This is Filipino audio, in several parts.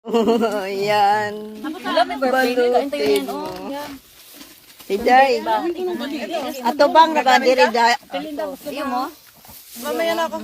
Yan. Wala may birthday. Kain tayo yan. Balutin mo. Oh, yan. Si Day. Ato bang nakadiri Day? Iyo mo? Mamaya na ako.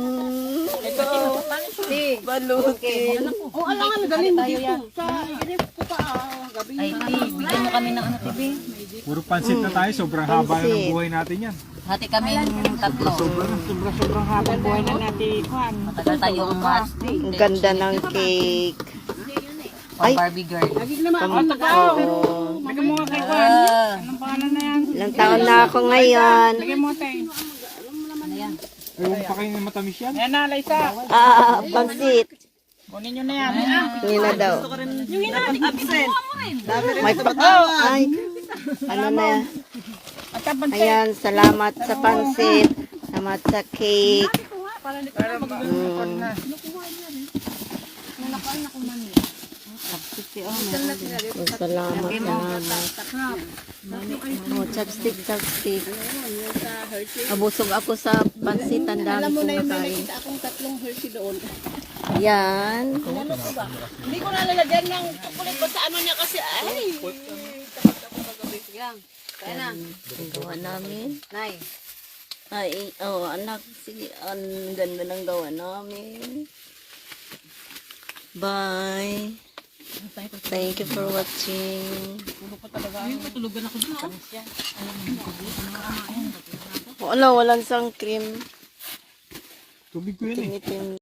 Balutin. O, alangan, galing mo dito. Sa inip ko pa, gabi. Ay, Ti, bigyan mo kami ng ano, TV. Puro pansit na tayo, sobrang haba na ng buhay natin yan. Hati kami tatlo. Sobrang haba buhay na natin, Juan. Matagal tayong mas. Ang ganda ng cake. Pang Barbie girl. Lagi naman, Oo. lagyan mo nga kay Juan. Anong pangalan na yan? Ilang taon na ako ngayon. Lagyan mo, te. Ewan pa kayo na matamis yan. Ayan na, Liza. Pansit. Kunin nyo na yan. Hindi na daw. Yung hinahating absent. May ay. Ano na yan? At tapos, Ayan, salamat sa pansit. Salamat sa cake. Salamat, salamat. Oh, chopstick, chopstick. Abusog ako sa pansit. Ang dami kong kain. akong tatlong Hershey doon. Yan. Hindi ko nalalagyan ng chocolate ba sa ano niya kasi, ay. Ang gawa namin. Nay. Ay, oh, anak. Sige, ang ganda ng gawa namin. Bye. Thank you for watching. Wala, walang sang cream. Tubig ko yun eh. Tinitin